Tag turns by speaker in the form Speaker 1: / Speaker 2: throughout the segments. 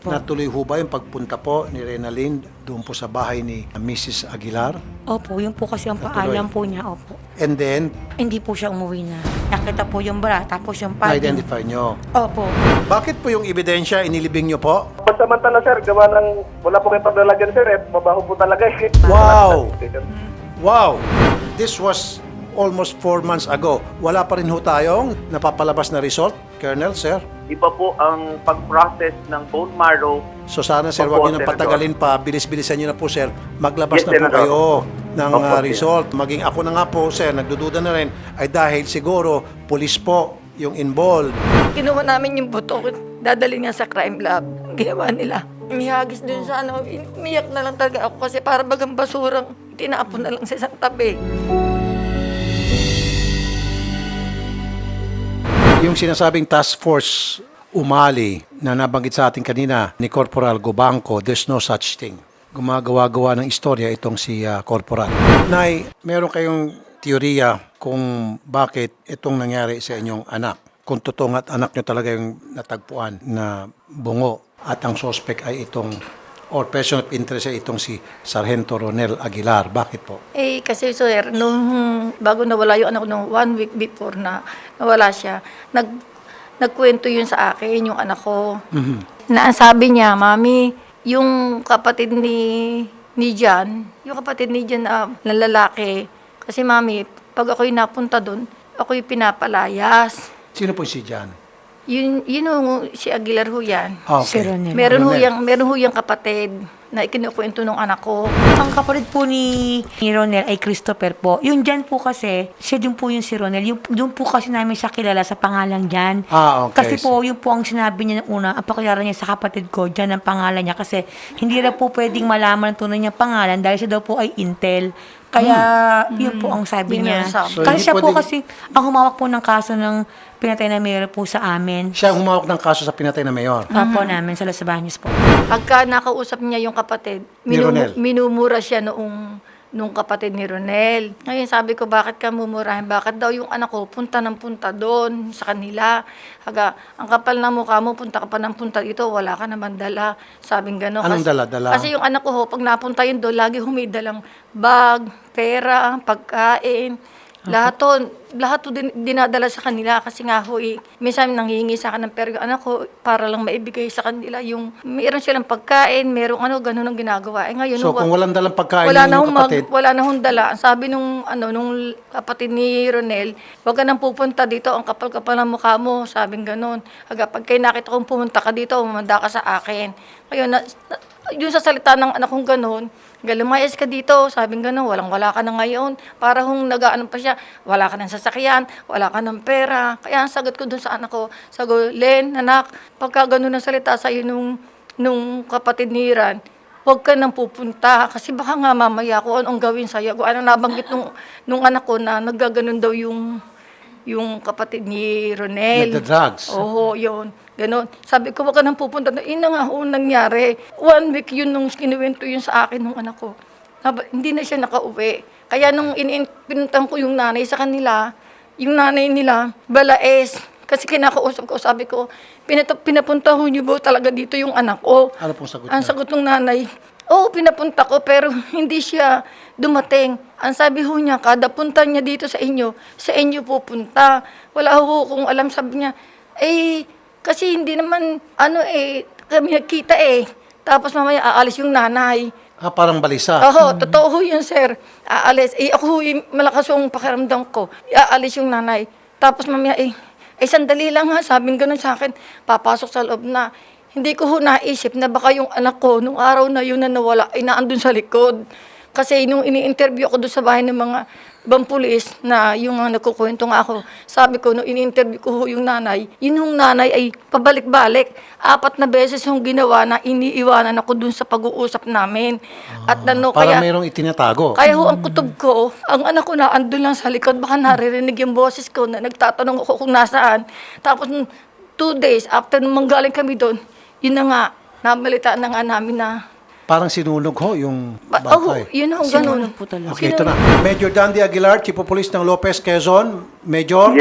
Speaker 1: Opo.
Speaker 2: Natuloy ho ba yung pagpunta po ni Renaline doon po sa bahay ni Mrs. Aguilar?
Speaker 1: Opo, yun po kasi ang
Speaker 2: Natuloy.
Speaker 1: paalam po niya. Opo.
Speaker 2: And then,
Speaker 1: Hindi po siya umuwi na. Nakita po yung bra, tapos yung padding.
Speaker 2: na-identify nyo.
Speaker 1: Opo.
Speaker 2: Bakit po yung ebidensya inilibing nyo po?
Speaker 3: Pansamantala sir, gawa ng wala po kayong paglalagyan sir, mabaho po talaga eh.
Speaker 2: Wow! Wow! This was almost 4 months ago. Wala pa rin ho tayong napapalabas na result, Colonel, sir?
Speaker 4: Iba po ang pag-process ng bone marrow.
Speaker 2: So sana, sir,
Speaker 4: Opo,
Speaker 2: wag nyo nang
Speaker 4: Senator.
Speaker 2: patagalin pa. Bilis-bilisan nyo na po, sir. Maglabas
Speaker 4: Yes,
Speaker 2: na po
Speaker 4: Senator.
Speaker 2: kayo ng
Speaker 4: Opo, sir.
Speaker 2: result. Maging ako na nga po, sir, nagdududa na rin, ay dahil siguro, police po yung involved.
Speaker 5: Kinuha namin yung buto, dadali nga sa crime lab. Ang ginawa nila. Mihagis dun sa umiyak na lang talaga ako kasi para bagang basurang tinapon na lang sa isang tabi.
Speaker 2: Yung sinasabing task force umali na nabanggit sa atin kanina ni Corporal Gobangco, there's no such thing. Gumagawa-gawa ng istorya itong si Corporal. Nay, meron kayong teorya kung bakit itong nangyari sa inyong anak? Kung totoong at anak nyo talaga yung natagpuan na bungo at ang suspect ay itong or person of interest ay itong si Sargento Ronel Aguilar. Bakit po?
Speaker 5: Kasi sir, nung bago nawala yung anak ko, nung 1 week before na nawala siya, nagkwento yun sa akin, yung anak ko. Na ang sabi niya, Mami, yung kapatid ni Jan, yung kapatid ni Jan na lalaki, kasi Mami, pag ako'y napunta doon, ako'y pinapalayas.
Speaker 2: Sino po si Jan?
Speaker 5: Yun yung si Aguilar ho yan.
Speaker 1: Si Ronel.
Speaker 5: Meron ho yung kapatid na ikinukwento ng anak ko.
Speaker 1: Ang kapatid po ni Ronel ay Christopher po. Yung Jan po kasi, siya din po yung si Ronel. Yung po kasi namin siya kilala sa pangalang Jan.
Speaker 2: Okay.
Speaker 1: Kasi po, yun po ang sinabi niya ng una, ang pakilala niya sa kapatid ko, Jan ang pangalan niya. Kasi hindi na po pwedeng malaman ang tunay niyang pangalan dahil siya daw po ay Intel. Kaya, yun po ang sabi
Speaker 5: Yun
Speaker 1: niya.
Speaker 5: ang sabi.
Speaker 2: So,
Speaker 1: Kasi
Speaker 2: hindi
Speaker 1: siya po
Speaker 2: pwedeng-
Speaker 1: kasi, ang humawak po ng kaso ng pinatay na mayor po sa amin.
Speaker 2: Siya ang humawak ng kaso sa pinatay na mayor.
Speaker 1: Opo namin, sa Los Baños po.
Speaker 5: Pagka nakausap niya yung kapatid,
Speaker 2: Ni Ronel.
Speaker 5: minumura siya nung kapatid ni Ronel. Ngayon sabi ko, bakit ka mumurahin? Bakit daw yung anak ko punta ng punta doon sa kanila? Ang kapal ng mukha mo, punta ka pa ng punta dito, wala ka naman dala. Sabing gano'n.
Speaker 2: Anong dala?
Speaker 5: Kasi yung anak ko ho, pag napunta yun doon, lagi humidalang bag, pera, pagkain. Lahat to dinadala sa kanila kasi nga ho, minsan nanghihingi sa akin ng pera yung anak ko para lang maibigay sa kanila yung meron silang pagkain, merong ganun ang ginagawa. Ngayon,
Speaker 2: So kung walang dalang pagkain
Speaker 5: wala
Speaker 2: ng
Speaker 5: na
Speaker 2: inyong kapatid,
Speaker 5: wala na hong dala. Ang sabi nung kapatid ni Ronel, wag ka nang pupunta dito, ang kapal-kapal ng mukha mo, sabing ganun. Pag kayo nakita kong pumunta ka dito, umanda ka sa akin. Ngayon, yun sa salita ng anak kong ganun, lumayas ka dito, sabing gano'n, wala ka na ngayon. Para hong nag-ano pa siya, wala ka ng sasakyan, wala ka ng pera. Kaya ang sagot ko dun sa anak ko, sabi ko, Len, anak, pagka gano'n ang salita sa'yo nung kapatid ni Iran, huwag ka nang pupunta. Kasi baka nga mamaya kung anong gawin sa'yo. Kung anong nabanggit nung anak ko na naggaganon daw yung kapatid ni Ronel.
Speaker 2: nagda-drugs.
Speaker 5: Oo, yun. Ganon. Sabi ko, wag ka nang pupunta. Ina nga ho nangyari. 1 week yun nung kinuwento yun sa akin nung anak ko. Hindi na siya nakauwi. Kaya nung pinuntahan ko yung nanay sa kanila, yung nanay nila, balaes. Kasi kinakausap ko, sabi ko, pinapunta ho niyo ba talaga dito yung anak ko?
Speaker 2: Ano pong sagot
Speaker 5: Ang
Speaker 2: niya?
Speaker 5: sagot ng nanay, oo, pinapunta ko pero hindi siya dumating. Ang sabi ho niya, kada punta niya dito sa inyo pupunta. Wala ho kung alam, sabi niya, kasi hindi naman, kami nagkita Tapos mamaya aalis yung nanay.
Speaker 2: Parang balisa.
Speaker 5: Oo, totoo ho yun, sir. Aalis. Ako ho, malakas yung pakiramdam ko. Aalis yung nanay. Tapos mamaya, sandali lang ha, sabing ganun sa akin, papasok sa loob na. Hindi ko ho naisip na baka yung anak ko, nung araw na yun na nawala, ay naandun sa likod. Kasi nung ini-interview ako doon sa bahay ng mga ibang pulis na yung nagkukwento nga ako, sabi ko, nung ini-interview ko ho yung nanay, yun yung nanay ay pabalik-balik. 4 na beses yung ginawa na iniiwanan ako doon sa pag-uusap namin. At
Speaker 2: Parang mayroong itinatago.
Speaker 5: kaya ho, ang kutob ko, ang anak ko na andun lang sa likod, baka naririnig yung boses ko na nagtatanong ako kung nasaan. Tapos 2 days after nung manggaling kami doon, yun na nga, nabalitaan na nga namin na,
Speaker 2: Parang sinunog ho yung
Speaker 5: oh,
Speaker 2: bangkay.
Speaker 5: yun ho, ganun.
Speaker 1: Sinunod po talaga.
Speaker 2: Okay, ito na. Major Dandy Aguilar, Chief of Police ng Lopez, Quezon. Major?
Speaker 3: Yes,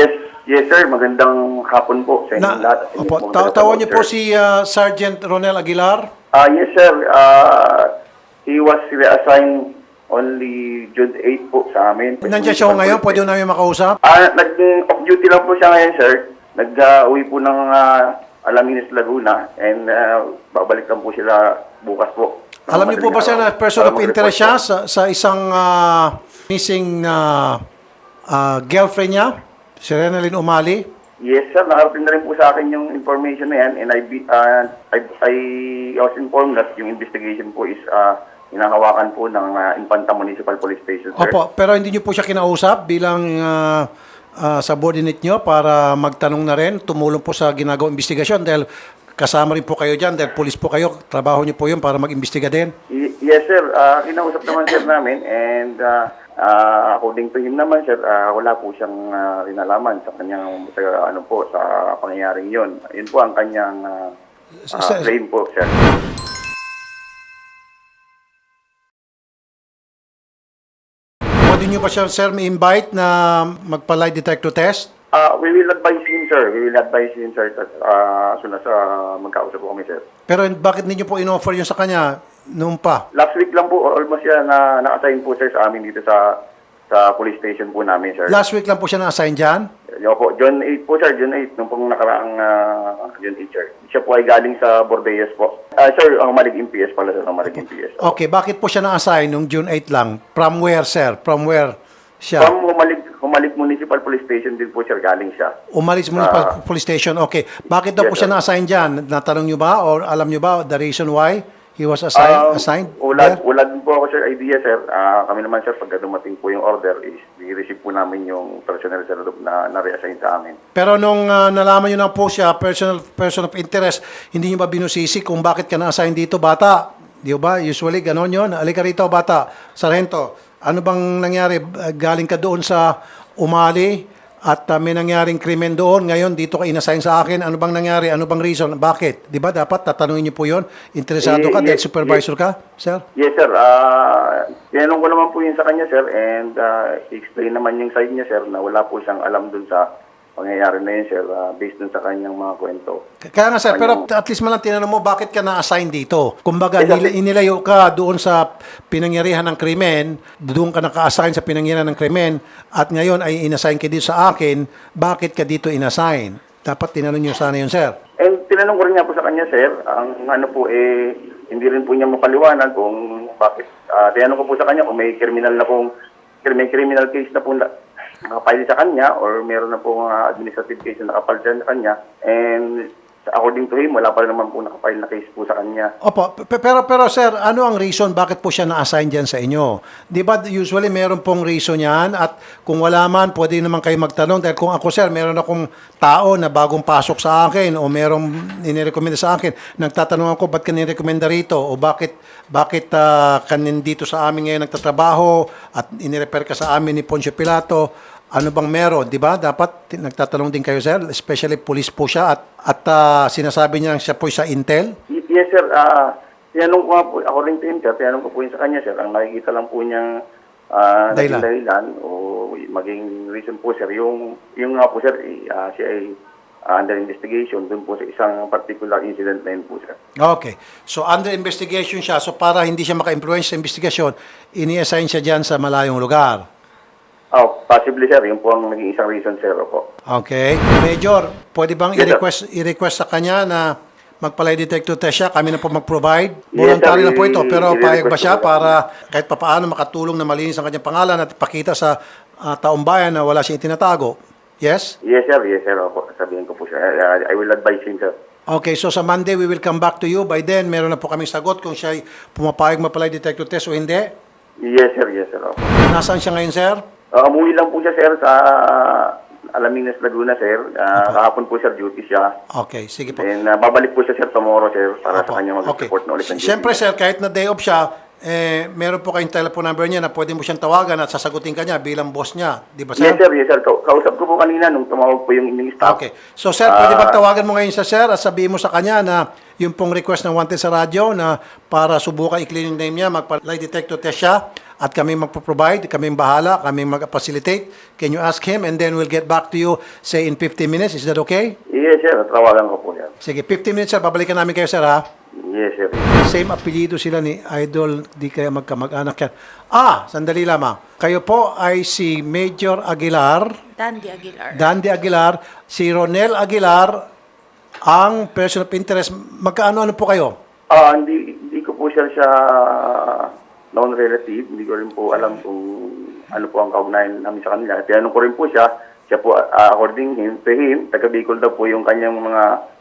Speaker 6: Yes, sir. Magandang hapon po sa inyong lahat.
Speaker 2: Opo, tawag niyo po si Sergeant Ronel Aguilar.
Speaker 6: Yes, sir. He was reassigned only June 8 po sa amin.
Speaker 2: Nandiyan siya ho ngayon, pwede ho namin makausap.
Speaker 6: Nag-off duty lang po siya ngayon, sir. Nag-uwi po ng Alaminos, Laguna, and babalik lang po sila bukas po.
Speaker 2: Alam niyo po ba sir na person of interest siya sa isang missing girlfriend niya, si Renalyn Umali?
Speaker 6: Yes, sir. Nakarating na rin po sa akin yung information na yan, and I was informed that yung investigation po is hinahawakan po ng Infanta Municipal Police Station, sir.
Speaker 2: Opo, pero hindi niyo po siya kinausap bilang subordinate niyo para magtanong na rin, tumulong po sa ginagawang investigasyon dahil kasama rin po kayo dyan dahil police po kayo, trabaho niyo po yun para mag-imbestiga din.
Speaker 6: Yes, sir. Kinausap naman, sir, namin, and according to him naman, sir, wala po siyang rinalaman sa kanyang sa pangyayaring yon. Yun po ang kanyang claim po, sir.
Speaker 2: Pwede niyo ba siya, sir, may-invite na magpa-lie detector test?
Speaker 6: We will advise him, sir. We will advise him, sir, as soon as magkausap po kami, sir.
Speaker 2: Pero bakit hindi niyo po in-offer yun sa kanya noon pa?
Speaker 6: Last week lang po, almost yan na na-assign po, sir, sa amin dito sa police station po namin, sir.
Speaker 2: Last week lang po siya na-assign dyan?
Speaker 6: Yo po, June 8 po, sir, June 8, nung pong nakaraang June 8, sir. Siya po ay galing sa Bordeaux po. Sir, ang Malig MPS pala, sir, ang Malig MPS.
Speaker 2: Okay, bakit po siya na-assign nung June 8 lang? From where, sir? From where siya?
Speaker 6: From Humalig Municipal Police Station din po, sir, galing siya.
Speaker 2: Umalis Municipal Police Station. Okay. Bakit daw
Speaker 6: Yes,
Speaker 2: po siya
Speaker 6: sir.
Speaker 2: na-assign dyan? Natanong niyo ba or alam niyo ba the reason why he was assigned there?
Speaker 6: Wala din po ako, sir, idea, sir. Kami naman, sir, pagka dumating po yung order, is i-receive po namin yung personnel, sir, na re-assign sa amin.
Speaker 2: Pero nung nalaman niyo na po siya, person of interest, hindi niyo ba binusisi kung bakit ka na-assign dito, bata? Di ba? Usually, ganon yun. Alika rito, bata. Sargento, ano bang nangyari? Galing ka doon sa Umali at may nangyaring krimen doon. Ngayon, dito ka inassign sa akin. Ano bang nangyari? Ano bang reason? Bakit? Di ba? Dapat tatanungin niyo po yun. Interesado ka dahil supervisor ka, sir?
Speaker 6: Yes, sir. Tinanong ko naman po yun sa kanya, sir, and explain naman yung side niya, sir, na wala po siyang alam dun sa pangyayari na yun, sir, based dun sa kanyang mga kwento.
Speaker 2: Kaya nga, sir, pero at least man lang tinanong mo, bakit ka na-assign dito? Kumbaga, inilayo ka doon sa pinangyarihan ng krimen, doon ka naka-assign sa pinangyarihan ng krimen, at ngayon ay inassign ka dito sa akin, bakit ka dito inassign? Dapat tinanong niyo sana yun, sir.
Speaker 6: And tinanong ko rin nga po sa kanya, sir, ang ano po, hindi rin po niya mapaliwanag kung bakit. Tinanong ko po sa kanya kung may criminal case na po nakapile sa kanya or meron na po mga administrative case na nakapile sa kanya, and according to him, wala pa rin naman po nakapile na case po sa kanya.
Speaker 2: Opo, pero sir, ano ang reason bakit po siya na-assign dyan sa inyo? Di ba usually meron pong reason yan at kung wala man, pwede naman kayo magtanong dahil kung ako, sir, meron akong tao na bagong pasok sa akin o merong inirekomenda sa akin, nagtatanong ako, ba't ka nirekomenda rito o bakit kanin dito sa amin ngayon nagtatrabaho at inirefer ka sa amin ni Poncio Pilato, ano bang meron, di ba? Dapat nagtatanong din kayo, sir, especially police po siya at sinasabi niya siya po sa Intel.
Speaker 6: Yes, sir. Tinanong ko nga po, according to him, sir, tinanong ko po yun sa kanya, sir. Ang nakikita lang po niyang dahilan o maging reason po, sir, yung nga po, sir, siya ay under investigation dun po sa isang particular incident na yun po, sir.
Speaker 2: Okay. So, under investigation siya. So, para hindi siya maka-influence sa investigation, ini-assign siya dyan sa malayong lugar.
Speaker 6: Possibly, sir. Yun po ang naging isang reason, sir, po.
Speaker 2: Okay. Major, pwede bang
Speaker 6: Yes, sir.
Speaker 2: i-request sa kanya na magpa-lie detector test siya? Kami na po mag-provide.
Speaker 6: Yes,
Speaker 2: Voluntary
Speaker 6: sir.
Speaker 2: na po ito. Pero payag ba siya
Speaker 6: I-request po.
Speaker 2: para kahit papaano makatulong na malinis ang kanyang pangalan at ipakita sa taong bayan na wala siyang itinatago? Yes?
Speaker 6: Yes, sir. Yes, sir. Opo. Sabihin ko po siya. I will advise him, sir.
Speaker 2: Okay, so sa Monday, we will come back to you. By then, meron na po kaming sagot kung siya pumapayag magpa-lie detector test o hindi.
Speaker 6: Yes, sir. Yes, sir. Opo.
Speaker 2: Nasaan siya ngayon, sir?
Speaker 6: Umuwi lang po siya, sir, sa Alaminos, Laguna, sir. Kahapon po, sir, duty siya.
Speaker 2: Okay, sige po.
Speaker 6: And babalik po siya, sir, tomorrow, sir, para sa kanya mag-report na ulit ng duty.
Speaker 2: Siyempre, sir, kahit na day off siya, meron po kayong telephone number niya na pwede mo siyang tawagan at sasagutin ka niya bilang boss niya. Di ba, sir?
Speaker 6: Yes, sir. Kausap ko po kanina nung tumawag po yung inyong staff.
Speaker 2: Okay. So, sir, pwede bang tawagan mo ngayon sa sir at sabihin mo sa kanya na yung pong request ng Wanted sa radyo na para subukan i-clean yung name niya, magpa-lie detector test siya at kami magpo-provide, kami bahala, kami mag-facilitate. Can you ask him and then we'll get back to you, say, in 15 minutes. Is that okay?
Speaker 6: Yes, sir. Tawagan ko po yan.
Speaker 2: Sige, 15 minutes, sir. Babalikan namin kayo, sir, ha?
Speaker 6: Yes, sir.
Speaker 2: Same apelyido sila ni Idol, di kaya magkamag-anak yan. Sandali lamang. Kayo po ay si Major Aguilar, Dandy Aguilar, si Ronel Aguilar, ang person of interest. Magkaano-ano po kayo?
Speaker 6: Hindi ko po siya known relative. Hindi ko rin po alam kung ano po ang kaugnayan namin sa kanila. Tinanong ko rin po siya. Siya po, according to him, taga Bicol daw po yung kanyang mga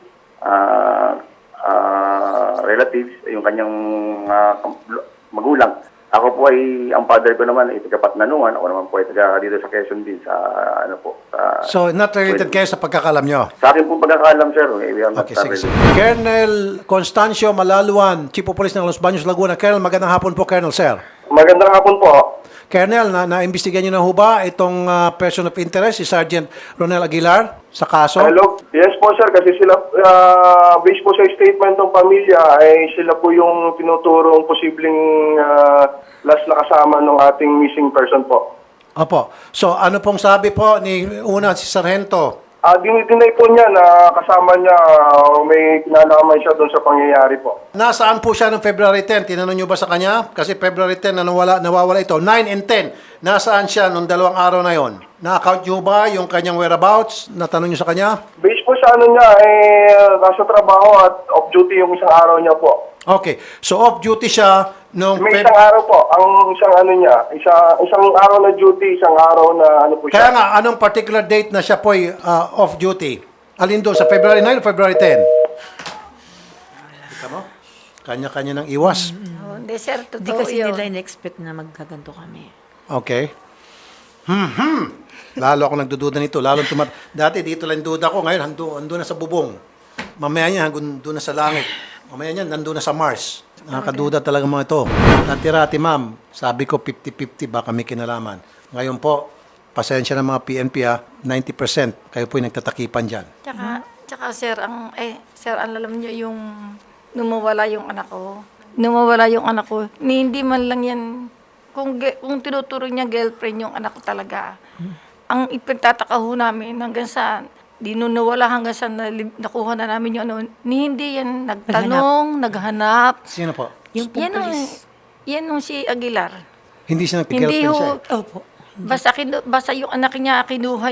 Speaker 6: relatives, yung kanyang magulang. Ako po ay, ang father ko naman ay taga Patnanuan. Ako naman po ay taga dito sa Quezon din, sa ano po.
Speaker 2: So, not related kayo sa pagkakalam nyo?
Speaker 6: Sa akin po pagkakaalam, sir. We are not
Speaker 2: Okay, sige.
Speaker 6: related.
Speaker 2: Colonel Constancio Malaluan, Chief of Police ng Los Baños, Laguna. Colonel, magandang hapon po, Colonel, sir.
Speaker 3: Magandang hapon po.
Speaker 2: Colonel, na-imbestigahan nyo na ho ba itong person of interest, si Sergeant Ronel Aguilar, sa kaso?
Speaker 3: Hello? Yes po sir, kasi sila, based po sa statement ng pamilya, ay sila po yung tinuturong posibleng last na kasama ng ating missing person po.
Speaker 2: Opo. So, ano pong sabi po ni una si Sargento?
Speaker 3: Dinay po niya na kasama niya, may kinalaman siya doon sa pangyayari po.
Speaker 2: Nasaan po siya noong February 10? Tinanong nyo ba sa kanya? Kasi February 10 na nawawala ito. 9 and 10. Nasaan siya noong 2 araw na yon? Na-account nyo ba yung kanyang whereabouts? Natanong nyo sa kanya?
Speaker 3: Based po sa ano niya, nasa trabaho at off-duty yung isang araw niya po.
Speaker 2: Okay. So, off-duty siya noong
Speaker 3: May isang araw po, ang isang ano niya, isang araw na duty, isang araw na ano po
Speaker 2: Kaya
Speaker 3: siya.
Speaker 2: nga, anong particular date na siya po off-duty? Alin doon? Sa February 9 o February 10? Kita mo? Kanya-kanya ng iwas.
Speaker 5: Hindi, sir.
Speaker 1: Hindi
Speaker 5: Totoo
Speaker 1: kasi
Speaker 5: yun.
Speaker 1: nila in-expect na magkaganto kami.
Speaker 2: Okay. Lalo ako nagdududa nito. Dati dito lang duda ko. Ngayon, ando na sa bubong. Mamaya niya, doon na sa langit. Mamaya niya, nandun na sa Mars. Nakakaduda talaga mga ito. Natirati, ma'am. Sabi ko, 50-50 baka may kinalaman. Ngayon po, pasensya ng mga PNP 90%. Kayo po yung nagtatakipan dyan.
Speaker 5: Tsaka sir, sir, alam niyo yung numawala yung anak ko. Numawala yung anak ko. Hindi man lang yan, kung tinuturo niya girlfriend yung anak ko talaga. Ang ipagtataka ho namin hanggang sa di nun nawala hanggang sa nakuha na namin yung ano, hindi yan nagtanong, naghanap.
Speaker 2: Sino po?
Speaker 1: Yung
Speaker 5: Yan ang,
Speaker 1: pulis.
Speaker 5: yan ang si Aguilar.
Speaker 2: Hindi siya
Speaker 5: Hindi
Speaker 2: nagpigirlfriend siya.
Speaker 5: ho,
Speaker 1: Opo.
Speaker 5: basta yung anak niya, kinuha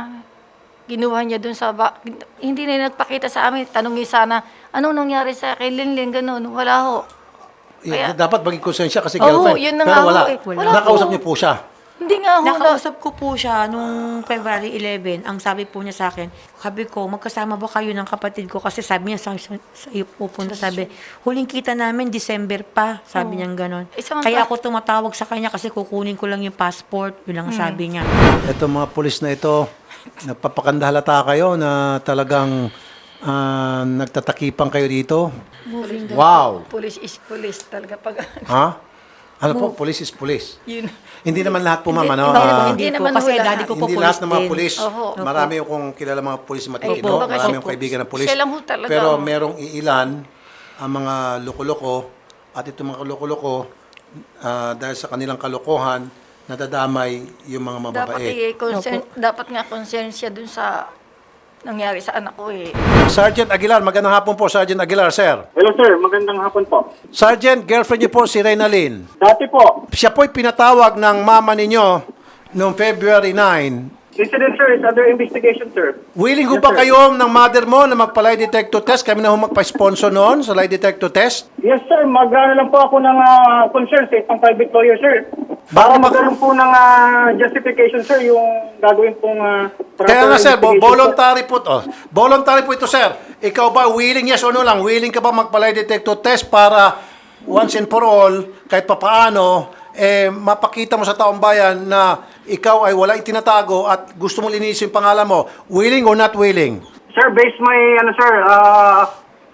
Speaker 5: niya dun sa, hindi na nagpakita sa amin, tanongin sana, anong nangyari sa kay Linlin, ganun, wala ho.
Speaker 2: Dapat maging konsensya kasi
Speaker 5: Oo,
Speaker 2: girlfriend.
Speaker 5: yun na
Speaker 2: Pero
Speaker 5: nga
Speaker 2: wala.
Speaker 5: ho eh. Wala
Speaker 2: Nakausap
Speaker 5: po.
Speaker 2: niyo po siya.
Speaker 5: Hindi nga ho,
Speaker 1: Nakausap ko po siya nung February 11. Ang sabi po niya sa akin, sabi ko, magkasama ba kayo ng kapatid ko? Kasi sabi niya sa iyo pupunta, sabi, huling kita namin, December pa. Sabi niya gano'n. Kaya ako tumatawag sa kanya kasi kukunin ko lang yung passport. Yun ang sabi niya.
Speaker 2: Ito mga pulis na ito, nagpapakandahalata kayo na talagang nagtatakipang kayo dito. Wow!
Speaker 5: police is police talaga pag,
Speaker 2: Ha? Ano po? Police is police.
Speaker 5: yun.
Speaker 2: Hindi naman lahat po, ma'am. Ano?
Speaker 1: Hindi
Speaker 5: Hindi
Speaker 1: po,
Speaker 5: naman
Speaker 1: kasi
Speaker 5: ho lahat.
Speaker 1: daddy ko po
Speaker 2: Hindi
Speaker 1: police
Speaker 2: lahat ng mga
Speaker 1: din.
Speaker 2: pulis.
Speaker 5: Oho.
Speaker 2: Marami akong kilala mga pulis matitino.
Speaker 5: Opo, kasi
Speaker 2: Marami akong
Speaker 5: po,
Speaker 2: kaibigan ng pulis.
Speaker 5: siya lang ho talaga.
Speaker 2: Pero merong iilan ang mga loko-loko at itong mga loko-loko dahil sa kanilang kalokohan nadadamay yung mga mababait.
Speaker 5: Dapat nga konsensya dun sa nangyari sa anak ko eh.
Speaker 2: Sergeant Aguilar, magandang hapon po, Sergeant Aguilar, sir.
Speaker 7: Hello sir, magandang hapon po.
Speaker 2: Sergeant, girlfriend niyo po si Reynalyn.
Speaker 7: Dati po,
Speaker 2: Siya po'y pinatawag ng mama ninyo noong February 9.
Speaker 7: incident sir is under investigation sir.
Speaker 2: Willing ho
Speaker 7: Yes,
Speaker 2: ba
Speaker 7: sir.
Speaker 2: kayo ng mother mo na magpa-lie detector test? Kami na ho magpa-sponsor noon sa lie detector test.
Speaker 7: Yes sir, mag-ano lang po ako ng concern sa isang private lawyer sir.
Speaker 2: Baka
Speaker 7: Para
Speaker 2: mag-
Speaker 7: magkaroon po ng justification sir yung gagawin pong
Speaker 2: Kaya nga sir,
Speaker 7: investigation,
Speaker 2: voluntary po to. Voluntary po ito sir. Ikaw ba willing, yes o no lang, willing ka ba magpa-lie detector test para once and for all, kahit papaano, mapakita mo sa taong bayan na ikaw ay wala itinatago at gusto mo linisin yung pangalan mo. Willing or not willing?
Speaker 7: Sir, based my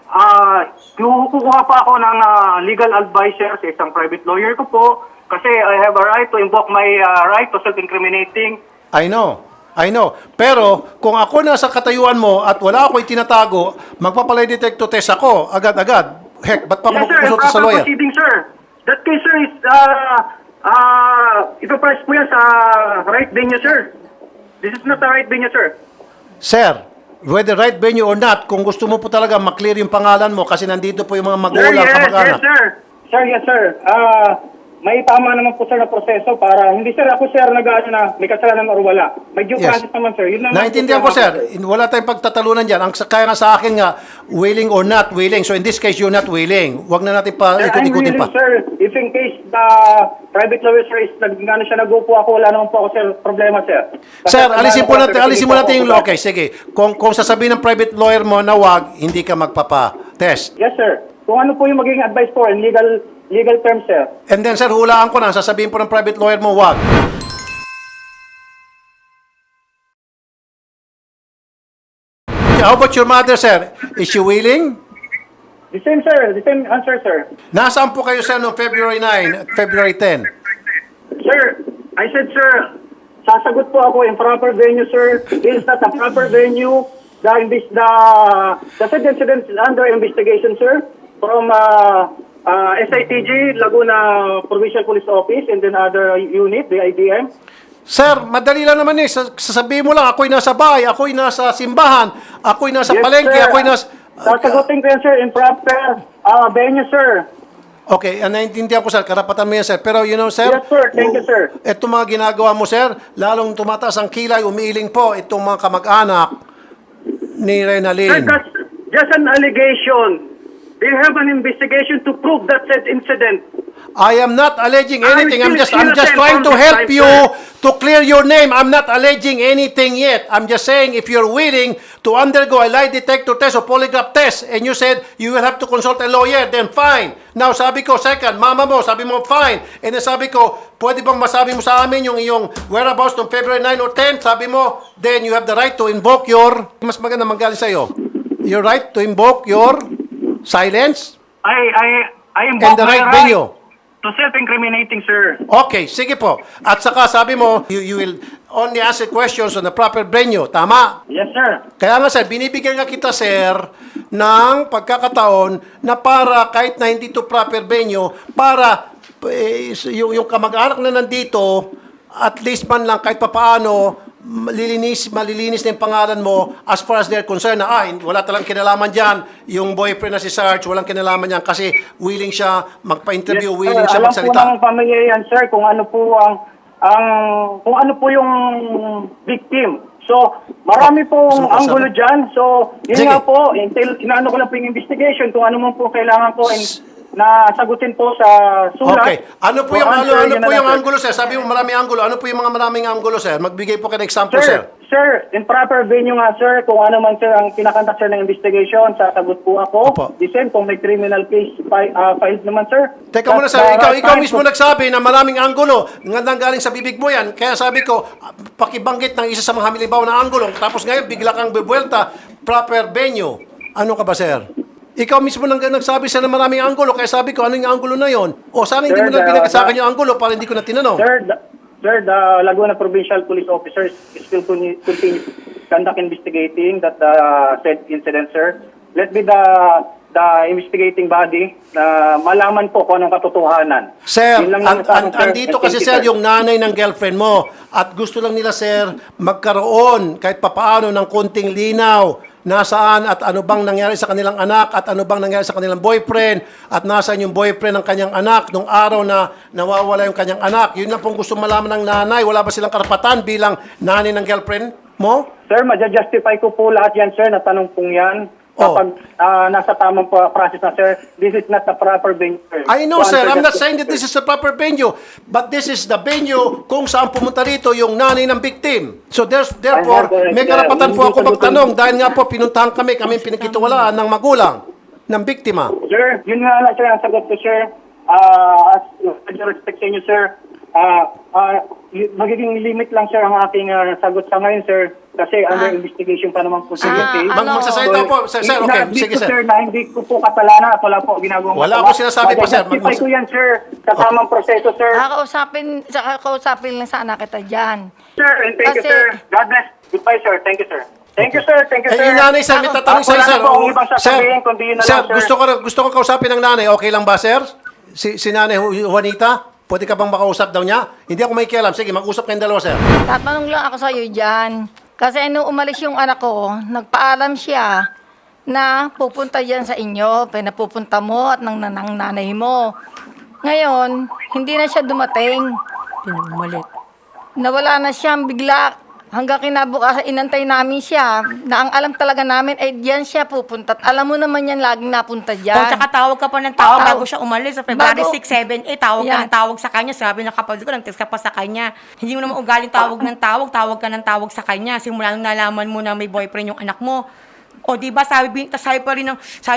Speaker 7: Kukuha pa ako ng legal advisor sa isang private lawyer ko po kasi I have a right to invoke my right to self-incriminating.
Speaker 2: I know. Pero kung ako nasa katayuan mo at wala ako itinatago, magpapalay detector test ako agad-agad. Heck, ba't pa ako
Speaker 7: Yes, sir.
Speaker 2: magkukonsulta sa
Speaker 7: Proper
Speaker 2: lawyer?
Speaker 7: proceeding, sir. That case, sir, is ipapress po yan sa right venue, sir. This is not the right venue, sir.
Speaker 2: Sir, whether right venue or not, kung gusto mo po talaga maklear yung pangalan mo kasi nandito po yung mga
Speaker 7: Sir,
Speaker 2: magulang,
Speaker 7: yes,
Speaker 2: kamag-anak.
Speaker 7: yes, sir. Sir, yes, sir. May tama naman po, sir, na proseso para hindi, sir, ako, sir, na may kasalanan or wala. May due
Speaker 2: Yes.
Speaker 7: process naman, sir. Yun naman
Speaker 2: Naintindihan
Speaker 7: po,
Speaker 2: ko, sir. Wala tayong pagtatalunan dyan. Kaya nga sa akin nga, willing or not willing. So in this case, you're not willing. Huwag na natin pa
Speaker 7: Sir, I'm
Speaker 2: ikot-ikutin
Speaker 7: willing,
Speaker 2: pa.
Speaker 7: sir. If in case the private lawyer, sir, is nag-upo ako, wala naman po ako, sir, problema, sir.
Speaker 2: Sir,
Speaker 7: Kasi
Speaker 2: alisin mo natin yung okay, sige. Kung sasabihin ng private lawyer mo na wag, hindi ka magpapa-test.
Speaker 7: Yes, sir. Kung ano po yung magiging advice po in legal terms, sir.
Speaker 2: And then, sir, hulaan ko na, sasabihin po ng private lawyer mo, wag. How about your mother, sir? Is she willing?
Speaker 7: The same, sir. The same answer, sir.
Speaker 2: Nasaan po kayo, sir, noong February 9 at February 10?
Speaker 7: Sir, I said, sir, sasagot po ako in proper venue, sir. This is not a proper venue. The said incident is under investigation, sir, from SITG, Laguna Provincial Police Office, and then other unit, the IDM.
Speaker 2: Sir, madali lang naman eh. Sasabihin mo lang, ako'y nasa bahay, ako'y nasa simbahan, ako'y nasa palengke,
Speaker 7: sir.
Speaker 2: ako'y nasa...
Speaker 7: Sasagutin ko yan, sir, in proper venue, sir.
Speaker 2: Okay, naintindihan ko, sir. Karapatan mo yan, sir. Pero, you know, sir...
Speaker 7: Yes, sir. Thank you, sir.
Speaker 2: Itong mga ginagawa mo, sir, lalong tumataas ang kilay, umiiling po itong mga kamag-anak ni
Speaker 7: Sir,
Speaker 2: Reynalyn.
Speaker 7: that's just an allegation. They have an investigation to prove that said incident.
Speaker 2: I am not alleging anything. I'm just
Speaker 7: innocent
Speaker 2: trying to
Speaker 7: from this
Speaker 2: help
Speaker 7: time,
Speaker 2: you
Speaker 7: sir.
Speaker 2: to clear your name. I'm not alleging anything yet. I'm just saying if you're willing to undergo a lie detector test or polygraph test and you said you will have to consult a lawyer, then fine. Now, sabi ko, second, mama mo, sabi mo, fine. And then sabi ko, pwede bang masabi mo sa amin yung iyong whereabouts noong February 9 or 10? Sabi mo, then you have the right to invoke your, mas maganda manggaling sa'yo, your right to invoke your silence
Speaker 7: I
Speaker 2: and
Speaker 7: invoke
Speaker 2: the
Speaker 7: my
Speaker 2: right
Speaker 7: right
Speaker 2: venue.
Speaker 7: to self-incriminating, sir.
Speaker 2: Okay, sige po. At saka sabi mo, you will only answer questions on the proper venue. Tama?
Speaker 7: Yes, sir.
Speaker 2: Kaya nga sir, binibigyan nga kita sir ng pagkakataon na para kahit na hindi to proper venue, para yung kamag-anak na nandito, at least man lang kahit papaano, malilinis na yung pangalan mo as far as they're concerned na wala talang kinalaman dyan, yung boyfriend na si Sarge, walang kinalaman yan kasi willing siya magpa-interview, willing siya
Speaker 7: Alam
Speaker 2: magsalita.
Speaker 7: po ng pamilya yan, sir, kung ano po kung ano po yung victim. So, marami pong
Speaker 2: gusto mo
Speaker 7: anggulo
Speaker 2: kasabi?
Speaker 7: dyan. So, yun
Speaker 2: Sige.
Speaker 7: nga po, inaano ko lang po yung investigation kung ano mo po kailangan ko na sagutin po sa sulat.
Speaker 2: Okay. Ano po
Speaker 7: So,
Speaker 2: yung
Speaker 7: answer
Speaker 2: ano
Speaker 7: yun na
Speaker 2: po
Speaker 7: lang,
Speaker 2: yung
Speaker 7: sir.
Speaker 2: anggulo sir? Sabi mo maraming anggulo. Ano po yung mga maraming anggulo sir? Magbigay po kayo ng example sir.
Speaker 7: Sir, in proper venue nga, sir, kung ano man, sir, ang pinakantak, sir, ng investigation, sasagot po ako.
Speaker 2: Opo.
Speaker 7: The same, kung may criminal case filed naman, sir.
Speaker 2: Teka muna sir, ikaw mismo nagsabi na maraming anggulo. Ngandang galing sa bibig mo yan. Kaya sabi ko, pakibanggit ng isa sa mga hamilibaw na anggulo. Tapos ngayon, bigla kang bubuelta, proper venue. Ano ka ba sir? Ikaw mismo nagsabi sa na maraming anggulo. Kaya sabi ko, ano yung anggulo na yon? O sana hindi
Speaker 7: Sir,
Speaker 2: mo na pinag sa akin yung anggulo para hindi ko na tinanong.
Speaker 7: Sir, the Laguna Provincial Police Officers still continue conduct investigating that said incident, sir. Let be the investigating body na malaman po kung anong katotohanan.
Speaker 2: Sir,
Speaker 7: Yun lang naman sa akin, sir.
Speaker 2: andito
Speaker 7: And
Speaker 2: kasi
Speaker 7: thank you,
Speaker 2: sir yung nanay ng girlfriend mo at gusto lang nila sir magkaroon kahit papaano ng konting linaw nasaan at ano bang nangyari sa kanilang anak at ano bang nangyari sa kanilang boyfriend at nasaan yung boyfriend ng kanyang anak nung araw na nawawala yung kanyang anak. Yun lang pong gusto malaman ng nanay. Wala ba silang karapatan bilang nanay ng girlfriend mo?
Speaker 7: Sir, maja-justify ko po lahat yan, sir, na tanong pong yan. Kapag nasa tamang process na, sir, this is not the proper venue, sir.
Speaker 2: I know,
Speaker 7: To
Speaker 2: sir.
Speaker 7: answer
Speaker 2: I'm not
Speaker 7: that
Speaker 2: saying that this is the proper venue. But this is the venue kung saan pumunta rito yung nanay ng victim. So therefore, may karapatan po ako magtanong dahil nga po pinuntahan kami pinagkitiwalaan ng magulang ng biktima.
Speaker 7: Sir, yun nga lang, sir, ang sagot ko, sir. As with respect sa inyo, sir, magiging limit lang, sir, ang aking sagot sa ngayon, sir. Kasi under investigation pa naman po sa case.
Speaker 2: Magsasalita po, sir, okay, sige, sir.
Speaker 7: Sir, na hindi ko po kasalanan at wala po ginagawang
Speaker 2: Wala
Speaker 7: masama.
Speaker 2: akong sinasabi pa, sir.
Speaker 7: Justify ko yan, sir, sa tamang proseso, sir.
Speaker 5: Kakausapin lang sana kita dyan.
Speaker 7: Sir, and thank you,
Speaker 5: Kasi-
Speaker 7: sir. God bless. Goodbye, sir. Thank you, sir. Thank you, sir. Thank you,
Speaker 2: Eh,
Speaker 7: sir.
Speaker 2: yung nanay, sir, may tatanong sa'yo,
Speaker 7: Wala
Speaker 2: sir.
Speaker 7: na po akong ibang sasabihin, kundi yun na
Speaker 2: sir,
Speaker 7: lang, sir.
Speaker 2: gusto ko kausapin ng nanay. Okay lang ba, sir? Si nanay Juanita, pwede ka bang makausap daw niya? Hindi ako may kialam. Sige, mag-usap kayong dalawa, sir.
Speaker 5: Tatanong lang ako sa iyo dyan. Kasi nung umalis yung anak ko, nagpaalam siya na pupunta dyan sa inyo. Pinapupunta mo at ng nanay mo. Ngayon, hindi na siya dumating.
Speaker 1: Pinumalit.
Speaker 5: Nawala na siyang bigla. Hanggang kinabukasan, inantay namin siya na ang alam talaga namin ay diyan siya pupunta. At alam mo naman yan, laging napunta
Speaker 1: O,
Speaker 5: dyan.
Speaker 1: tsaka tawag ka pa ng tawag
Speaker 5: Tawag.
Speaker 1: bago siya umalis. Sa February
Speaker 5: Bago-
Speaker 1: 6, 7, 8, tawag ka
Speaker 5: Yan.
Speaker 1: ng tawag sa kanya. Sabi ng kapatid ko, nag-text ka pa sa kanya. Hindi mo naman ugaling tawag ng tawag ka ng tawag sa kanya. Simula nung nalaman mo na may boyfriend yung anak mo. O di ba sabi pa rin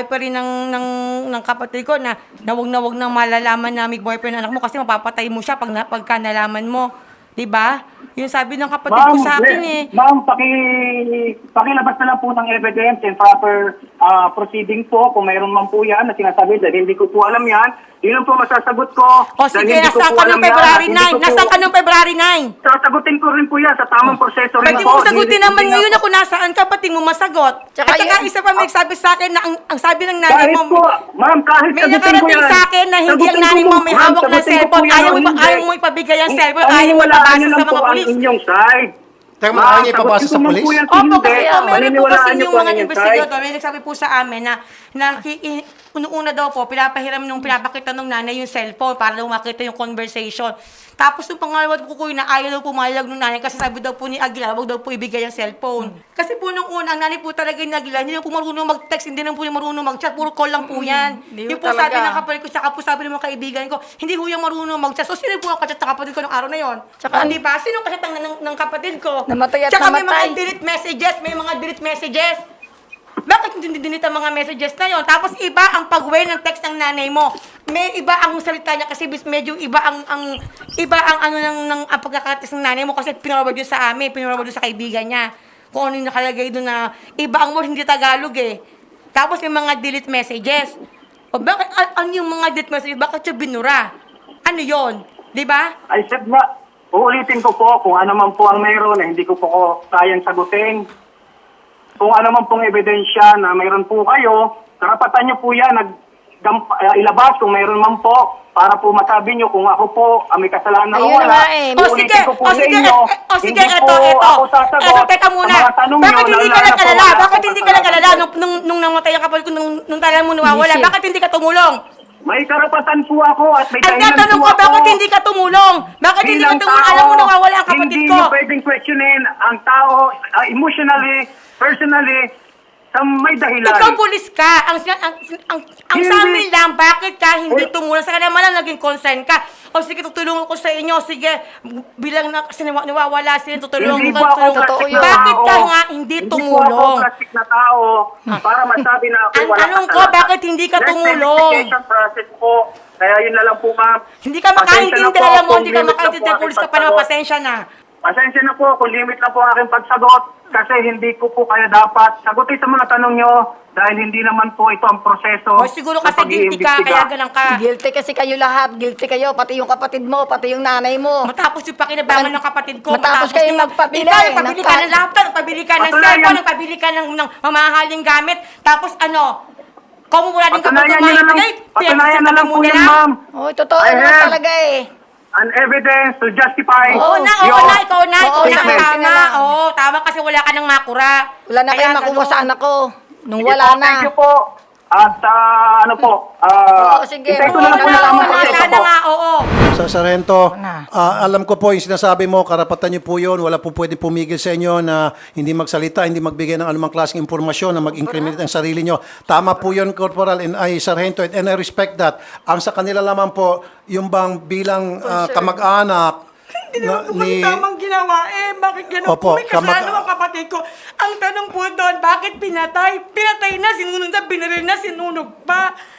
Speaker 1: ng kapatid ko na wag nang malalaman na may boyfriend ang anak mo kasi mapapatay mo siya pagka nalaman mo. Di ba? Yung sabi ng kapatid ko sa akin eh.
Speaker 7: Ma'am, pakilabas na lang po ng evidence and proper proceeding po kung mayroon man po yan na sinasabi dahil hindi ko po alam yan. Yun ang po masasagot ko.
Speaker 1: O
Speaker 7: dahil
Speaker 1: sige,
Speaker 7: hindi ko
Speaker 1: nasaan
Speaker 7: po
Speaker 1: ka
Speaker 7: alam
Speaker 1: nung
Speaker 7: yan
Speaker 1: February
Speaker 7: at hindi
Speaker 1: 9?
Speaker 7: ko po-
Speaker 1: Nasaan ka nung February 9?
Speaker 7: Sasagutin ko rin po yan sa tamang proseso rin
Speaker 1: Pwede
Speaker 7: po.
Speaker 1: mo sagutin
Speaker 7: Hindi-
Speaker 1: naman
Speaker 7: hindi
Speaker 1: ngayon
Speaker 7: nga
Speaker 1: ako nasaan ka, pati mo masagot.
Speaker 5: Tsaka
Speaker 1: At saka
Speaker 5: yun-
Speaker 1: isa pa may sabi sa akin na ang sabi ng nanay
Speaker 7: Kahit
Speaker 1: mo,
Speaker 7: po, ma'am, kahit
Speaker 1: may
Speaker 7: sagutin ko
Speaker 1: nakarating
Speaker 7: yan.
Speaker 1: sa akin na hindi ang
Speaker 7: Sagutin
Speaker 1: nanay
Speaker 7: ko
Speaker 1: mo
Speaker 7: po,
Speaker 1: may
Speaker 7: ma'am,
Speaker 1: hawak na
Speaker 7: sagutin ko
Speaker 1: cellphone.
Speaker 7: po yan, hindi.
Speaker 1: Ayaw mo ipabigay ang cellphone, ayaw mo
Speaker 7: Paniniwalaan
Speaker 1: ipabasa
Speaker 7: niyo
Speaker 1: sa
Speaker 7: lang
Speaker 1: mga
Speaker 7: po ang
Speaker 1: pulis.
Speaker 7: inyong side.
Speaker 2: Teka,
Speaker 7: Ma'am,
Speaker 2: ayaw niya ipabasa
Speaker 7: sagutin
Speaker 2: sa
Speaker 7: ko man
Speaker 2: pulis?
Speaker 7: po yan,
Speaker 1: Opo,
Speaker 7: hindi.
Speaker 1: kasi meron po
Speaker 7: Paniniwalaan
Speaker 1: kasi
Speaker 7: niyo
Speaker 1: yung
Speaker 7: po ang
Speaker 1: mga
Speaker 7: inyong side.
Speaker 1: investigator, may nagsabi po sa amin na una daw po, pinapakita nung nanay yung cellphone para daw makita yung conversation. Tapos yung pangalawa po ko na ayaw daw pumayag nung nanay kasi sabi daw po ni Aguilar, wag daw po ibigay ang cellphone. Kasi po nung una, ang nanay po talaga ni Aguilar, hindi na po marunong mag-text, hindi na po marunong mag-chat, puro call lang po yan.
Speaker 5: Hindi
Speaker 1: Yung
Speaker 5: po
Speaker 1: po sabi
Speaker 5: talaga.
Speaker 1: ng kapatid ko, tsaka po sabi ng mga kaibigan ko, hindi po yung marunong mag-chat. So sino po ang kachat ng kapatid ko ng araw na yon?
Speaker 5: Tsaka-
Speaker 1: Di ba? Sino ang kachat ng kapatid ko?
Speaker 5: Namatay at
Speaker 1: Tsaka may mga
Speaker 5: namatay.
Speaker 1: delete messages. Bakit hindi dinita mga messages na yon? Tapos iba ang pag-way ng text ng nanay mo. May iba ang salita niya kasi medyo iba ang ano ng ang pagkakatext ng nanay mo kasi pinarobad yun sa amin, pinarobad yun sa kaibigan niya. Kung ano yung nakalagay doon na iba ang word, hindi Tagalog eh. Tapos may mga delete messages. O bakit ano yung mga delete messages? Bakit siya binura? Ano yon? 'Di ba?
Speaker 7: I said na, uulitin ko po kung ano man po ang mayroon na hindi ko po kayang sagutin. Kung ano man pong ebidensya na mayroon po kayo, karapatan nyo po yan, ilabas kung mayroon man po, para po masabi nyo kung ako po may kasalanan o
Speaker 5: Ayun
Speaker 7: wala.
Speaker 5: nga eh.
Speaker 1: O sige,
Speaker 7: Uulitin ko po
Speaker 1: o sige,
Speaker 7: sa inyo,
Speaker 1: sige,
Speaker 7: hindi
Speaker 1: eto.
Speaker 7: po ako sasagot
Speaker 1: Teka
Speaker 7: sa
Speaker 1: muna.
Speaker 7: mga tanong nyo
Speaker 1: Bakit hindi ka
Speaker 7: na
Speaker 1: nag-alala?
Speaker 7: wala
Speaker 1: Bakit
Speaker 7: akong
Speaker 1: hindi ka nag-alala
Speaker 7: kasalanan.
Speaker 1: nung namatay ang kapatid ko, nung talagang mo nawawala?
Speaker 5: Hindi siya.
Speaker 1: Bakit hindi ka tumulong?
Speaker 7: May karapatan po ako at may
Speaker 1: Ang
Speaker 7: dahilan
Speaker 1: tatanong
Speaker 7: po
Speaker 1: ko,
Speaker 7: ako.
Speaker 1: bakit hindi ka tumulong? Bakit hindi ka
Speaker 7: Bilang
Speaker 1: tumulong?
Speaker 7: tao,
Speaker 1: Alam mo nawawala ang kapatid
Speaker 7: hindi
Speaker 1: ko.
Speaker 7: nyo pwedeng questionin ang tao emotionally, personally, sa may dahilan.
Speaker 1: Ikaw pulis ka. Ang sa
Speaker 7: Hindi.
Speaker 1: amin lang, bakit ka hindi tumulong? Sa kanila malang naging concern ka. O sige, tutulungan ko sa inyo. Sige, bilang na, kasi nawawala sila, tutulungan
Speaker 7: Hindi
Speaker 1: ko.
Speaker 7: po ako
Speaker 1: tutulungan ko.
Speaker 7: plastic na
Speaker 1: Bakit
Speaker 7: tao.
Speaker 1: ka nga hindi
Speaker 7: Hindi
Speaker 1: tumulong?
Speaker 7: po ako plastic na tao para masabi na ako
Speaker 1: Ang
Speaker 7: wala
Speaker 1: tanong ko,
Speaker 7: kasalanan.
Speaker 1: bakit hindi ka
Speaker 7: There's
Speaker 1: tumulong?
Speaker 7: investigation process po. Kaya yun na lang po, ma'am.
Speaker 1: Hindi ka
Speaker 7: Pasensya
Speaker 1: makaintindi,
Speaker 7: na po
Speaker 1: alam mo,
Speaker 7: kung
Speaker 1: hindi ka
Speaker 7: limit na
Speaker 1: makaintindi,
Speaker 7: po
Speaker 1: pulis ka
Speaker 7: aking
Speaker 1: pa naman,
Speaker 7: pagsagot.
Speaker 1: pasensya na.
Speaker 7: Pasensya na po kung limit lang po ang aking pagsagot kasi hindi ko po kaya dapat sagutin sa mga tanong nyo dahil hindi naman po ito ang proseso.
Speaker 1: O siguro
Speaker 7: ng
Speaker 1: kasi guilty ka,
Speaker 7: pag-iimbestiga.
Speaker 1: kaya ganun ka.
Speaker 5: Guilty kasi kayo lahat. Guilty kayo. Pati yung kapatid mo, pati yung nanay mo.
Speaker 1: Matapos yung pakinabangan ng kapatid ko.
Speaker 5: Matapos kayo magpabili,
Speaker 1: Ikaw, nagpabili ka ng
Speaker 5: nagpa-
Speaker 1: laptop, nagpabili ka ng
Speaker 7: Patunayan.
Speaker 1: cellphone, nagpabili ka ng mamahaling gamit. Tapos ano, kung wala din kapag
Speaker 7: Patunayan nyo na lang,
Speaker 1: kumahibigay,
Speaker 7: patunayan na lang po yan, ma'am.
Speaker 5: Oh, totoo
Speaker 7: I
Speaker 5: naman
Speaker 7: have-
Speaker 5: talaga eh.
Speaker 7: An evidence to justify
Speaker 1: Oo na,
Speaker 7: your
Speaker 1: ikaw na,
Speaker 5: Oo,
Speaker 1: ang
Speaker 5: statement.
Speaker 1: tama. Oo, tama kasi wala ka nang makura.
Speaker 5: Wala na
Speaker 1: Kaya
Speaker 5: kayong makuha
Speaker 1: ganun.
Speaker 5: sa anak ko. Nung
Speaker 7: Sige
Speaker 5: wala
Speaker 7: po,
Speaker 5: na.
Speaker 7: Thank you po. At ano po,
Speaker 5: Oo, sige.
Speaker 7: intay ko
Speaker 1: Oo
Speaker 7: na lang po
Speaker 1: na,
Speaker 7: na tamang
Speaker 1: oo na,
Speaker 7: proseso
Speaker 1: sana
Speaker 7: po.
Speaker 1: nga, oo.
Speaker 2: Sa Sargento,
Speaker 5: na.
Speaker 2: alam ko po yung sinasabi mo, karapatan niyo po yun. Wala po pwede pumigil sa inyo na hindi magsalita, hindi magbigay ng anumang klaseng impormasyon na mag-incriminate ang sarili niyo. Tama po yun, Corporal, and Sargento, and I respect that. Ang sa kanila lamang po, yung bang bilang kamag-anak
Speaker 1: Hindi naman po kasi tamang ginawa eh. Bakit gano'n
Speaker 2: Opo,
Speaker 1: po? May kasalanan ang kapatid ko. Ang tanong po doon, bakit pinatay? Pinatay na, sinunog na, binaril na, sinunog pa.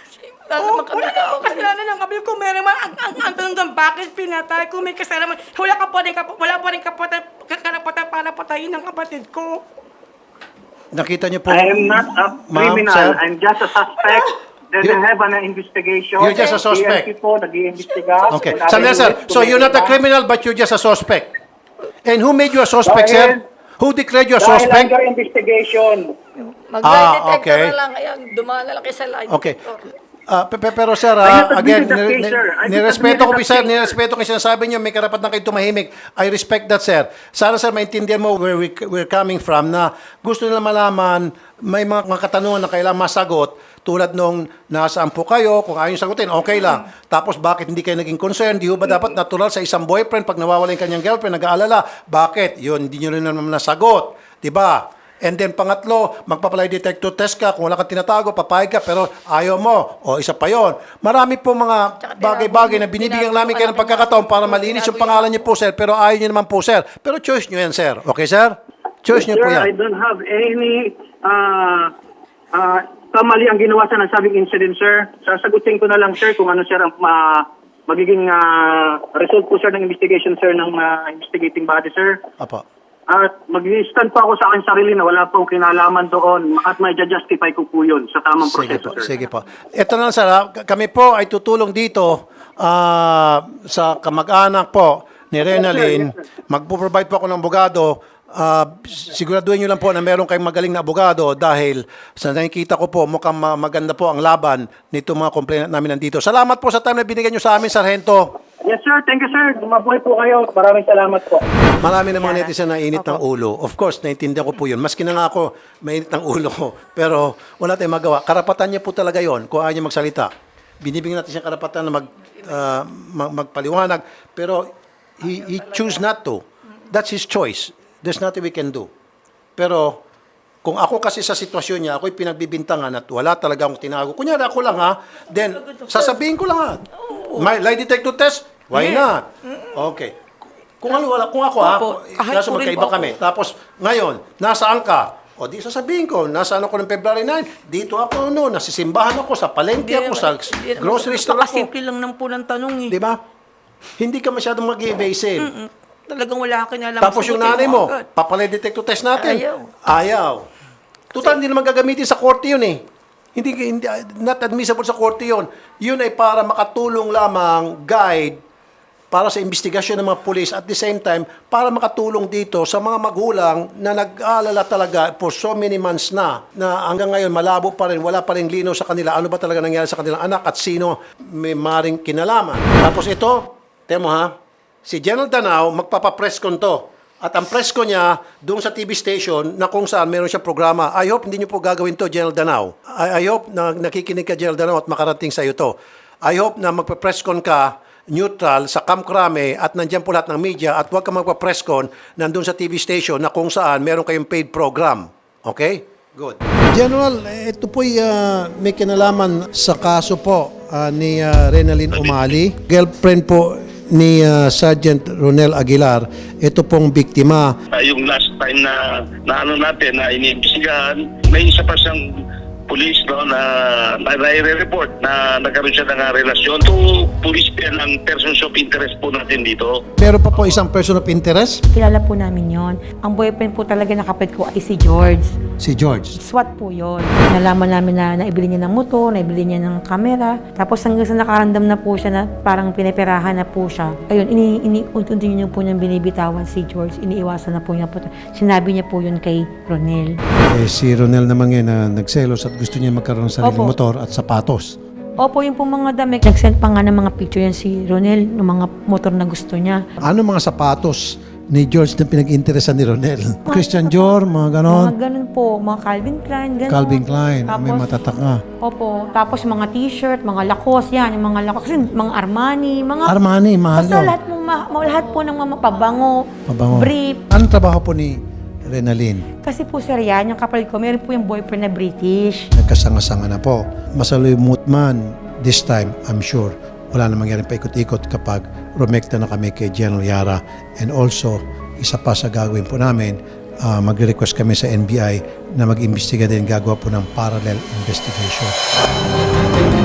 Speaker 5: Lalo naman kami
Speaker 1: Wala
Speaker 5: tao.
Speaker 1: namang kasalanan ng kapatid ko. Meron naman ang tanong doon, bakit pinatay ko? May kasalanan. Wala pa rin karapatan para patayin ng kapatid ko.
Speaker 2: Nakita niyo po,
Speaker 7: I am not a
Speaker 2: Ma'am,
Speaker 7: criminal.
Speaker 2: sir?
Speaker 7: I'm just a suspect. They
Speaker 2: You-
Speaker 7: have an investigation.
Speaker 2: You're just a suspect.
Speaker 7: PNP po, nag-iimbestiga.
Speaker 2: Okay. Sandali, sir. So you're not a criminal, but you're just a suspect. And who made you a suspect, sir? Who declared you a
Speaker 7: Dahil
Speaker 2: suspect?
Speaker 7: under investigation.
Speaker 5: Mag-lie detector
Speaker 2: okay.
Speaker 5: na lang. Kaya dumaan na lang kayo sa lie
Speaker 2: Okay.
Speaker 5: detector.
Speaker 2: Pero sir,
Speaker 7: I have
Speaker 2: again,
Speaker 7: admitted that case, sir. I have
Speaker 2: nirespeto ko
Speaker 7: admitted
Speaker 2: sir,
Speaker 7: that case,
Speaker 2: nirespeto ko yung sinasabi niyo, may karapatan kayo tumahimik. I respect that, sir. Sana, sir, maintindihan mo where we're coming from na gusto nila malaman, may mga katanungan na kailangan masagot tulad nung nasaan po kayo, kung ayaw nyo sagutin, okay lang. Tapos bakit hindi kayo naging concerned? Di ba dapat natural sa isang boyfriend pag nawawala yung kanyang girlfriend, nag-aalala, bakit? Yun, hindi nyo rin naman nasagot. Di ba? And then pangatlo, magpapalay detector test ka, kung wala kang tinatago, papayag ka, pero ayaw mo, o isa pa yon. Marami po mga bagay-bagay na binibigyan namin kayo ng pagkakataon para malinis yung pangalan niyo po, sir, pero ayaw niyo naman po, sir. Pero choice niyo yan, sir. Okay, sir? Choice niyo po
Speaker 7: Sir, I
Speaker 2: yan.
Speaker 7: don't have any kamali ang ginawa sa nasabing incident, sir. Sasagutin ko na lang, sir, kung ano, sir, ang magiging result po, sir, ng investigation, sir, ng investigating body, sir.
Speaker 2: Apo.
Speaker 7: At mag-stand po ako sa aking sarili na wala pong kinalaman doon at may justify ko po yun sa tamang
Speaker 2: Sige
Speaker 7: proseso,
Speaker 2: po,
Speaker 7: sir.
Speaker 2: sige po. Ito na lang, sir. Kami po ay tutulong dito sa kamag-anak po ni Renalyn. Magpo-provide po ako ng abogado. Siguraduhin nyo lang po na meron kayong magaling na abogado dahil sa nakikita ko po, mukhang maganda po ang laban nito mga complainant namin nandito. Salamat po sa time na binigyan nyo sa amin, Sargento.
Speaker 7: Yes, sir. Thank you, sir. Mabuhay po kayo. Maraming salamat po.
Speaker 2: Marami na mga netizen na init ng ulo. Of course, naintindihan ko po yun. Maski na nga ako, mainit ng ulo ko. Pero wala tayong magawa. Karapatan niya po talaga yon kung ayaw niya magsalita. Binibigyan natin siya karapatan na magpaliwanag. Pero he choose not to. That's his choice. There's nothing we can do. Pero kung ako kasi sa sitwasyon niya, ako'y pinagbibintangan at wala talaga akong tinago. Kunyari ako lang ha, then sasabihin ko lang ha. May lie detector test? Why not? Okay. Kung ako ha,
Speaker 1: Opo. Kahit
Speaker 2: kaso
Speaker 1: po rin
Speaker 2: magkaiba
Speaker 1: po
Speaker 2: kami. Tapos ngayon, nasaan ka? O di sasabihin ko, nasaan ako ng February 9? Dito ako noon, nasisimbahan ako, sa palengke ako, sa grocery store ako.
Speaker 1: Simple lang ng po ng tanong eh.
Speaker 2: Di ba? Hindi ka masyadong mag-evasive.
Speaker 1: Talagang wala ka kinalaman.
Speaker 2: Tapos yung nanay mo, papalay detector test natin. Ayaw. Total, hindi naman gagamitin sa korte yun eh. Hindi, not admissible sa korte yun. Yun ay para makatulong lamang guide para sa investigasyon ng mga pulis at the same time para makatulong dito sa mga magulang na nag-aalala talaga for so many months na hanggang ngayon malabo pa rin, wala pa rin linaw sa kanila ano ba talaga nangyari sa kanilang anak at sino may maring kinalaman. Tapos ito, temo ha, si General Danao magpapapress con to. At ang press ko niya doon sa TV station na kung saan meron siyang programa. I hope hindi niyo po gagawin to, General Danao. I hope na nakikinig ka, General Danao, at makarating sa iyo to. I hope na magpa-press con ka neutral sa Camp Crame at nandiyan po lahat ng media at huwag ka magpa-press con nandun sa TV station na kung saan meron kayong paid program. Okay? Good. General, ito po'y may kinalaman sa kaso po ni Renalyn Umali. Girlfriend po ni Sergeant Ronel Aguilar, ito pong biktima.
Speaker 8: Yung last time na ano natin, na iniimbestigahan, may isa pa siyang police na nai-report na nagkaroon siya ng relasyon to police ng persons of interest po natin dito.
Speaker 2: Meron pa po isang person of interest,
Speaker 1: Kilala po namin yon. Ang boyfriend po talaga na kapatid ko ay si George.
Speaker 2: si George.
Speaker 1: SWAT po yon. Nalaman namin na naibili niya ng motor, naibili niya ng kamera. Tapos hanggang sa nakaramdam na po siya na parang pinaperahan na po siya. Ayun, unti-unti niyo po niyang binibitawan si George. Iniiwasan na po niya po. Sinabi niya po yun kay Ronel.
Speaker 2: Si Ronel naman ngayon na nagselos at gusto niya magkaroon ng sariling
Speaker 1: Opo.
Speaker 2: motor at sapatos.
Speaker 1: Opo, yung po mga damit. Nag-send pa nga ng mga picture yan si Ronel ng mga motor na gusto niya.
Speaker 2: Ano mga sapatos ni George na pinag-interesan ni Ronel? Christian Dior, mga ganon.
Speaker 1: Mga ganun po, mga Calvin Klein, ganun.
Speaker 2: Calvin Klein, may
Speaker 1: Tapos,
Speaker 2: matatak nga.
Speaker 1: Opo, tapos mga t-shirt, mga Lacoste, yan, yung mga Lacoste, kasi mga Armani, mga...
Speaker 2: Armani, mahal
Speaker 1: Basta
Speaker 2: yun.
Speaker 1: lahat po ng mga pabango,
Speaker 2: Mabango.
Speaker 1: brief.
Speaker 2: Anong trabaho po ni Renalyn?
Speaker 1: Kasi po sir yan, yung kapatid ko, meron po yung boyfriend na British.
Speaker 2: Nagkasanga-sanga na po. Masaluyot man this time, I'm sure. Wala na mangyaring paikot-ikot kapag rumekta na kami kay General Yara. And also, isa pa sa gagawin po namin, magre-request kami sa NBI na mag-imbestiga din, gagawa po ng parallel investigation.